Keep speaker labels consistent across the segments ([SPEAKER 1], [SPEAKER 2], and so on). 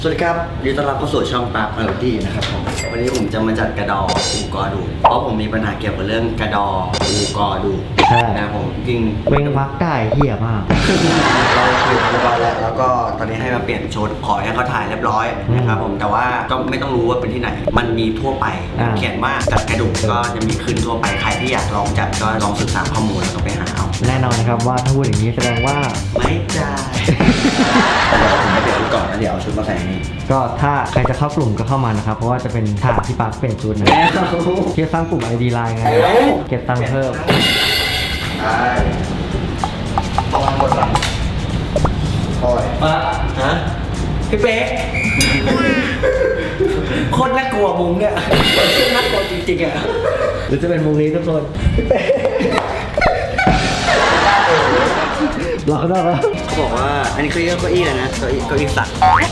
[SPEAKER 1] สวัสดีครับยินดีต้อนรับเข้าสู่ช่องปาร์คเมโลดี้นะครับผมวันนี้ผมจะมาจัดกระดออูกอดูเพราะผมมีปัญหาเกี่ยวกับเรื่องกระดออูกอดูนะผมจริง
[SPEAKER 2] เวงพักได้เหี้ยมาก
[SPEAKER 1] เราคุยเรียบร้อยแล้วก็ตอนนี้ให้มาเปลี่ยนชุดขอให้เขาถ่ายเรียบร้อยนะครับผมแต่ว่าก็ไม่ต้องรู้ว่าเป็นที่ไหนมันมีทั่วไปเขียนว่าจัดกระดูกก็จะมีขึ้นทั่วไปใครที่อยากลองจัดก็ลองศึกษาข้อมูลแล้วก็ไปหาเอา
[SPEAKER 2] แน่นอนนะครับว่าถ้าพูดอย่างนี้แสดงว่า
[SPEAKER 1] ไม่จ่ายเดี๋ยวผมไปเปลี่ยนชุดก่อนแล้วเดี๋ยวเอาชุดมาใส่นี่
[SPEAKER 2] ก็ถ้าใครจะเข้ากลุ่มก็เข้ามานะครับเพราะว่าจะเป็นฉากที่ปาร์คเปลี่ยนชุดนะเที่สร้างกลุ่ม ID Line ไงเก็บตังค์เพิ่ม
[SPEAKER 1] ใช่ประมาณหมดหลังโอ้ยมาฮะพี่เป๊กโคตรน่ากลัวมุมเนี่ยน่ากลัวจริงๆอ่ะ
[SPEAKER 2] หรือจะเป็นมุมนี้ทุกคนหลอกได้ปะ
[SPEAKER 1] เขาบอกว่าอันนี้คือเก้าอี้อะไรนะเก้าอี้สัก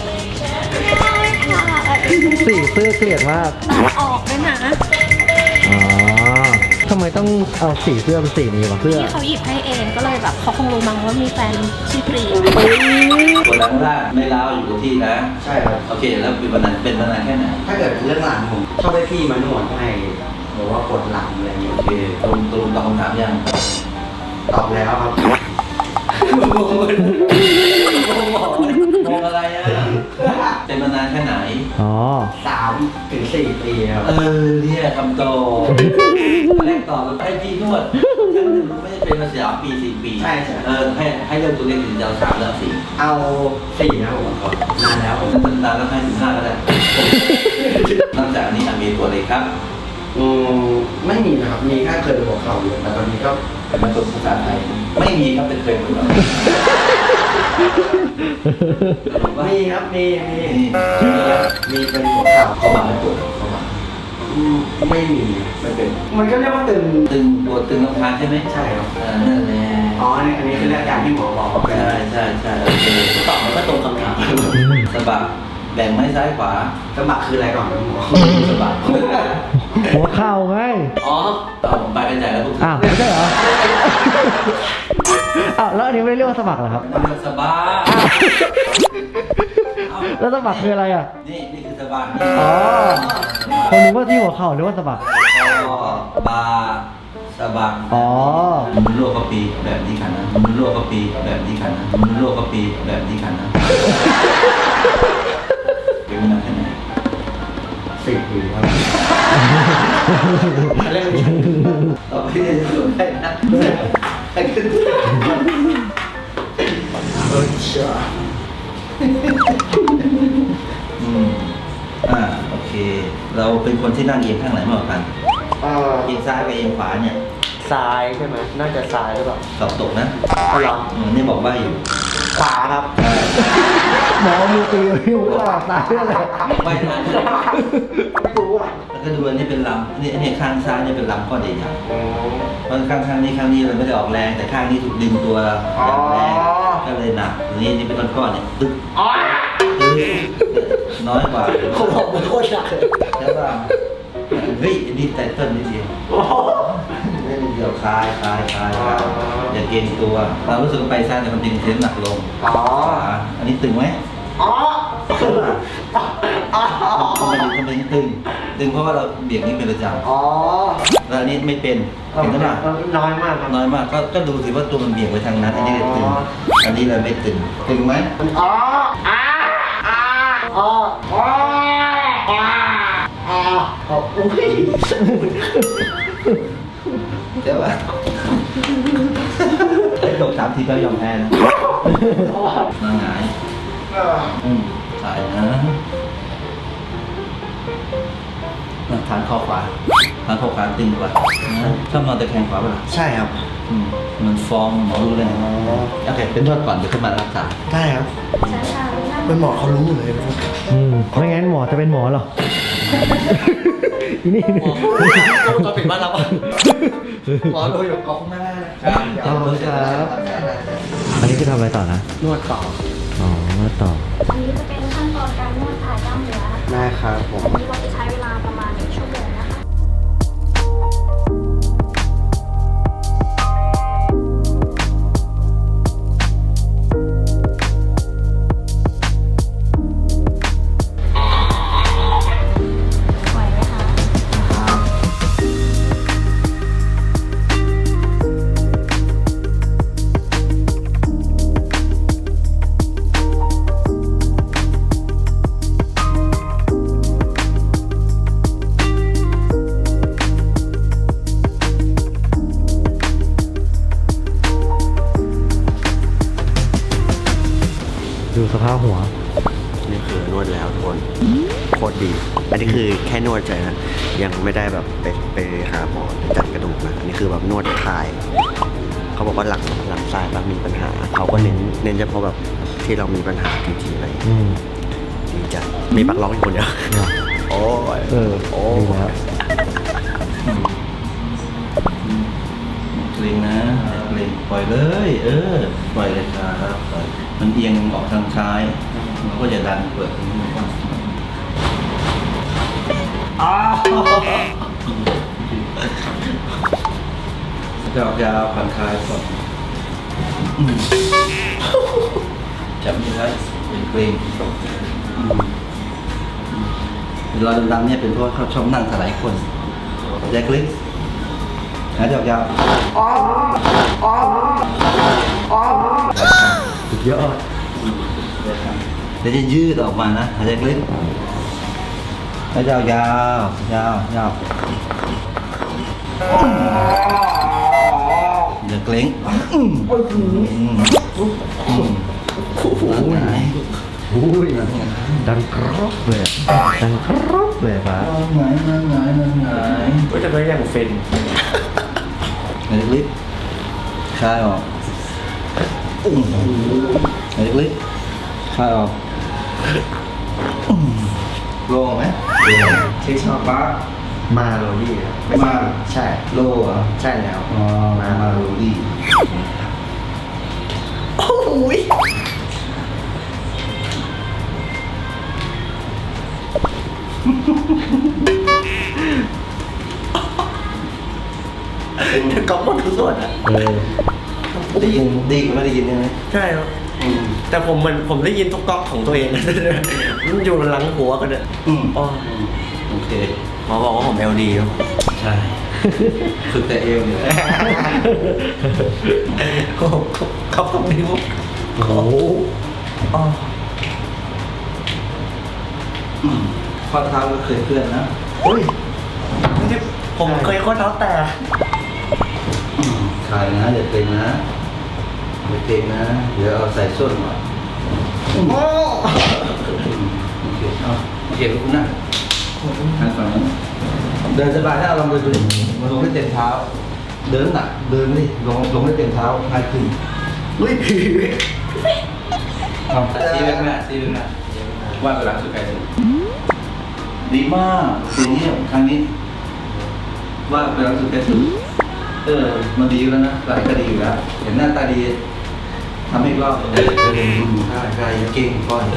[SPEAKER 2] สีเสื้อเกลียดมาก
[SPEAKER 3] ออกด้วยนะ
[SPEAKER 2] อ๋อทำไมต้องเอาสีเสื้อเป็นสีนี้วะเสื้อ
[SPEAKER 3] ที่เขาหยิบให้เองก็เลยแบบเขาคงรู้มั้งว่ามีแฟนชื่อปรี
[SPEAKER 4] กดหลังล่างไม่ล้าวอยู่กับที่นะ
[SPEAKER 1] ใช่ครับ
[SPEAKER 4] โอเค แล้วเป็นวันนั้นแค่ไหน
[SPEAKER 1] ถ้าเกิดเรื่องหลังผมชอบให้พี่มานวดให้หรือว่าปวดหลังอะไรอย่างเงี้ย
[SPEAKER 4] โอเคตรงตอบคำถามยัง
[SPEAKER 1] ตอบแล้วครับ
[SPEAKER 4] มองอะไรอ่ะ เป็นมานานแค่ไหน
[SPEAKER 2] อ๋อ
[SPEAKER 1] 3 ถึง 4 ปีครับ
[SPEAKER 4] เนี่ยคำโตแรกตอบให้พี่นวดครั้งหนึ่งไม่ได้เป็นมา3 ปี 4 ปี
[SPEAKER 1] ใช่
[SPEAKER 4] ให้เริ่มตัวเล็กถึงจะเอา3แล้ว4
[SPEAKER 1] เอา4นะผมนานแล้วผม
[SPEAKER 4] นานแล้วให้ถึง5ก็ได้นอกจากนี้มีตัวอะไรครับ
[SPEAKER 1] ไม่มีนะครับมีแค่เคยหัวเข่าอยู่แต่ตอนนี้ก็
[SPEAKER 4] เป็นมาตัวภาษาไทยไม่มีครับเป็นเคยเหมือนกัน
[SPEAKER 1] มีครับมีเป็นหัวเข่า
[SPEAKER 4] เขามาไม่ปวดเขามา
[SPEAKER 1] ไม่มี
[SPEAKER 4] ไม่เป็น
[SPEAKER 1] มันก็เรียกว่าตึง
[SPEAKER 4] ปวดตึงลำคาญใช่ไหม
[SPEAKER 1] ใช่ครับ
[SPEAKER 4] นั่นแหละ
[SPEAKER 1] อ๋ออันนี้คืออาการที่หมอบอก
[SPEAKER 4] ใช่โอเค
[SPEAKER 1] ตอบมันก็ตรงคำถาม
[SPEAKER 4] สะบักแบ่งไม้ซ้ายขวา
[SPEAKER 1] สมัครคืออะไรก่อนครับหมอ
[SPEAKER 4] สะบัก
[SPEAKER 2] หัวเข่าไง
[SPEAKER 1] อ๋อ
[SPEAKER 4] เอาผมไปกันใหญ่แล้วพวก
[SPEAKER 2] อ้าวไม่ใช่เหรออ้าวแล้วอันนี้ไม่ได้เรียกว่าสมัครเหรอครับ
[SPEAKER 4] สะบัก
[SPEAKER 2] แล้วสมัครคืออะไรอ่ะ
[SPEAKER 4] นี่คือสะบัก
[SPEAKER 2] อ๋อผมนึกว่าที่หัวเข่าหรือว่าสมัคร
[SPEAKER 4] บาสะบัก
[SPEAKER 2] อ๋อ
[SPEAKER 4] มันรั่วกระปีแบบนี้ขันนะมันรั่วกระปีแบบนี้ขันนะมันรั่วกระปีแบบนี้ขันนะเป็นมานานแค่ไหน
[SPEAKER 1] 4 ปีครับเรื่องนี้
[SPEAKER 4] เราไม่ได้สวนได้นะ
[SPEAKER 1] เชื่อ
[SPEAKER 4] โอเค เราเป็นคนที่นั่งเอียงข้างไหนมากกว่ากันเอียงซ้ายกับเอียงขวาเนี่ย
[SPEAKER 1] ซ้ายใช่ไหมน่าจะซ้ายหรือเปล่า
[SPEAKER 4] สอบตกนะ
[SPEAKER 1] ก็ลอง
[SPEAKER 4] นี่บอกว่าอยู่
[SPEAKER 1] ขวาครับ
[SPEAKER 2] หมอมือตีที่หัวเข่าตายอะไร
[SPEAKER 4] ไม่ทัน
[SPEAKER 1] ไม่รู้อ่ะ
[SPEAKER 4] แล้วก็ดูอันนี้เป็นลำนี่ข้างซ้ายนี่เป็นลำก้อนใหญ่ๆเพราะข้างนี้เราไม่ได้ออกแรงแต่ข้างนี้ถูกดึงตัวอย่างแรงก็เลยหนักนี่เป็นก้อนๆเนี่ยตึ๊กน้อยกว่า
[SPEAKER 1] ผมบอกมันโคตรหนักเลย
[SPEAKER 4] ใช่ป่ะเฮ้ยอันนี้ไตเติ้ลนิดเดียวไม่นิดเดียวคลายอย่าเกรงตัวเรารู้สึกว่าไปซ้ายแต่มันดึงเส้นหนักลงขวาอันนี้ตึงไหม
[SPEAKER 1] อ๋อ
[SPEAKER 4] ทำไมตึงเพราะว่าเราเบี่ยงนี้เป็นประจำ
[SPEAKER 1] อ๋อ
[SPEAKER 4] แล้วอันนี้ไม่เป็นเห็นไหม
[SPEAKER 1] น้อยมากครับ
[SPEAKER 4] น้อยมากก็ดูสิว่าตัวมันเบี่ยงไปทางนั้น อันนี้เลยตึง อันนี้เลยไม่ตึงไหม
[SPEAKER 1] อ๋ออ๋ออุ้ย
[SPEAKER 4] ใช่ป่ะไอ้ตก3 ทีก็ยอมแพ้นะนั่งหงายสายนะฐานข้อขวาตึงกว่าชอบนอนตะแคงขวาป่ะล่ะ
[SPEAKER 1] ใช่ครับ
[SPEAKER 4] มันฟอร์มหมอรู้เลยโอเคเป็นนวดก่อนเดี๋ยวขึ้นมารักษา
[SPEAKER 1] ได้ครับ
[SPEAKER 3] ใช่ค่ะ
[SPEAKER 1] เป็นหมอเขารู้เลยนะ
[SPEAKER 2] ไม่งั้นหมอจะเป็นหมอเหรออีนี่
[SPEAKER 1] ก็ผิดบ้านเราหมอดูอยู่ขอบคุณมากนะครับ
[SPEAKER 2] ขอบคุณครับอันนี้คือทำอะไรต่อนะ
[SPEAKER 1] นวดต่อ
[SPEAKER 2] อ๋อนวดต่อ
[SPEAKER 3] อันนี้จะเป็นขั้นตอนการนวดคลายกล้ามเนื้อ
[SPEAKER 1] ได้ครับผม
[SPEAKER 3] ที่ว่าจะใช้เวลาประมาณ1 ชั่วโมงนะคะ
[SPEAKER 2] หัว
[SPEAKER 1] นี่คือนวดแล้วทุกคนโคตรดี อันนี้คือแค่นวดเฉยนะยังไม่ได้แบบไปหาหมอจัดกระดูกนะอันนี่คือแบบนวดคลายเขาบอกว่าหลังซ้ายแบบมีปัญหาเขาก็เน้นเฉพาะแบบที่เรามีปัญหาจริงๆอะไรอย่างเงี้ย
[SPEAKER 2] อืม
[SPEAKER 1] ดีจังมีปักล็อกอยู่คนเดียว
[SPEAKER 2] เนี่ย
[SPEAKER 1] โอ้ย
[SPEAKER 2] โอ้ดีแล้ว
[SPEAKER 4] เกรงนะเกรงปล่อยเลย ปล่อยเลยครับปล่อยมันเอียงออกทางซ้ายเราก็จะดันเปิดตรงนี้มันก็จะออกยาวผ่อนคลายก่อนจับไม่ได้เป็นเกรงรอยดำๆเนี่ยเป็นเพราะว่าเขาชอบนั่งถลายคนแยกลิกหายใจออกยาว
[SPEAKER 2] สุดยอด
[SPEAKER 4] เดี๋ยวจะยืดออกมานะหายใจลึกหายใจยาวยาวยาวอย่าเกร็งไหน
[SPEAKER 2] อุ้ยดังกรอบเลยดังกรอบเลยปะ
[SPEAKER 4] ไหน
[SPEAKER 1] ก็จะไม่ยังเฟน
[SPEAKER 4] หายใจลึกคลายออกหายใจลึกคลายออกโล่งไหม
[SPEAKER 1] ที่ชอบว่ามาโรดี้
[SPEAKER 4] มา
[SPEAKER 1] ใช่
[SPEAKER 4] โล่เหรอ
[SPEAKER 1] ใช่แล้ว
[SPEAKER 4] อ๋อมาโรดี้
[SPEAKER 1] โอ้ยก๊อปหมดทุกส่วนอ่ะ
[SPEAKER 4] ได้ยินดีไม่ได้ยินใช่ไหม
[SPEAKER 1] ใช่ครับแต่ผมได้ยินทุกก๊อกของตัวเอง มันอยู่หลังหัวกันเนี่ย อ๋อ
[SPEAKER 4] โอเค
[SPEAKER 1] หมอบอกว่าผม LD ครับ
[SPEAKER 4] ใช่ฝึกแต่เอวเนี่ย
[SPEAKER 1] โอ้โหเขาตรงนิ้ว
[SPEAKER 2] โอ้โห
[SPEAKER 1] อ๋อ
[SPEAKER 4] ข้อเท้าก็เคยเคลื่อนนะ
[SPEAKER 1] เฮ้ยไม่ใช่ผมเคยข้อเท้าแต่
[SPEAKER 4] คลายนะอย่าเกร็งนะอย่าเกร็งนะ เดี๋ยวเอาใส่ส้นก่อนโอเคเอาโอเคลุกนะหันฝั่งนั้นเดินสบายถ้าลองเดินดูดิมันลงได้เต็มเท้า เดินหนักเดินดิลงได้เต็มเท้าง่ายขึ้น
[SPEAKER 1] เฮ้ย
[SPEAKER 4] เอาซีเล็กหน้าซีเล็กหน้าว่าเวลาสุดใกล้เลยดีมากสีนี้ครั้งนี้ ว่าเวลาสุดใกล้สุดมันดีแล้วนะหลายก็ดีอยู่แล้วเห็นหน้าตาดีทำให้รอบใช่เก่งก่อน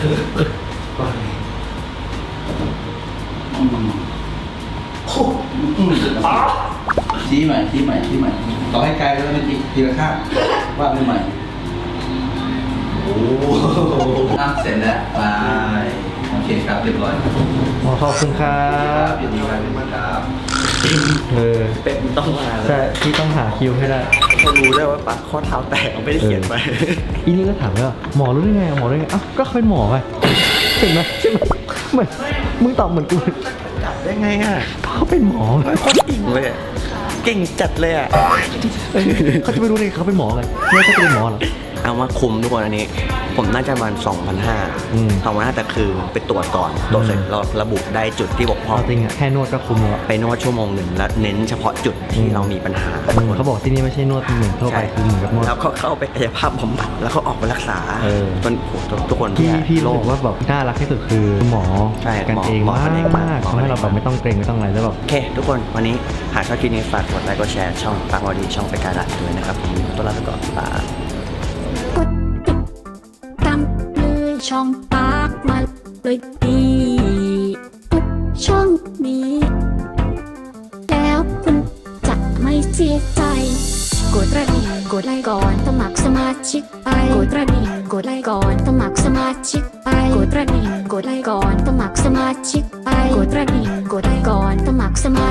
[SPEAKER 4] ชี้ใหม่ต่อให้ไกลแล้วมันทีละข้างว่าไม่ใหม่โอ้เสร็จแล้วไปโอเคครับเรียบร้อย
[SPEAKER 2] ขอบคุณครับ
[SPEAKER 4] ยินดีครับ
[SPEAKER 1] เป็นต้องมาแล้ว
[SPEAKER 2] ใช่ที่ต้องหาคิวให้ได้
[SPEAKER 1] เขารู้ได้ว่าปะข้อเท้าแตกเขาไม่ได้เขียนไป
[SPEAKER 2] อีนี่ก็ถามว่าหมอรู้ได้ไงหมอรู้ได้ไงอ้าวก็เขาเป็นหมอไงเห็นไหมใช่ไหมเหมือนมึงตอบเหมือนกู
[SPEAKER 1] จับได้ไงอ่ะ
[SPEAKER 2] เขาเป็นหมอไง
[SPEAKER 1] โคตรเก่งเลยอะเก่งจัดเลยอ่ะ
[SPEAKER 2] เขาจะไม่รู้ได้ไงเขาเป็นหมอไงเนี่ยเขาจะเป็นหมอเหรอ
[SPEAKER 1] เอามาคุมทุกคนอันนี้ ผมน่าจะประมาณ 2,500แต่คือไปตรวจก่อนตรวจเสร็จเราระบุได้จุดที่บกพร่อง
[SPEAKER 2] เอาจริงอะแค่นวดก็คุ้มแล้ว
[SPEAKER 1] ไปนวดชั่วโมงหนึ่งแล้วเน้นเฉพาะจุดที่เรามีปัญหา
[SPEAKER 2] เขาบอกที่นี่ไม่ใช่นวดเหมือนทั่วไปคือเหมือนกับนวด
[SPEAKER 1] แล้วก็เข้าไปกายภาพบำบัดแล้วก็ออกไปรักษา
[SPEAKER 2] เออ
[SPEAKER 1] ทุกคน
[SPEAKER 2] พี่รู้สึกว่าแบบน่ารักที่สุดคือหมอ
[SPEAKER 1] ใช่
[SPEAKER 2] กันเอง
[SPEAKER 1] หมอ
[SPEAKER 2] มา
[SPEAKER 1] กันเองมาก
[SPEAKER 2] กทำให้เราแบบไม่ต้องเกรงไม่ต้องอะไรแล้วแบบ
[SPEAKER 1] โอเค ทุกคนวันนี้หากชอบคลิปนี้ฝากกดไลค์กดแชร์ช่องปากวอดีช่องไปการัดด้วยนะครับผมตัวลาไปก่อนบาย
[SPEAKER 3] กดติดตามเลยช่องปากมาเลยดีทุกช่องนี้ แล้วคุณจะไม่เสียใจ กดกระดิ่งกดไลค์ก่อนสมัครสมาชิกไปกดกระดิ่งกดไลค์ก่อนสมัครสมาชิกไปกดกระดิ่งกดไลค์ก่อนสมัครสมาชิกไปกดกระดิ่งกดไลค์ก่อนสมัครสมา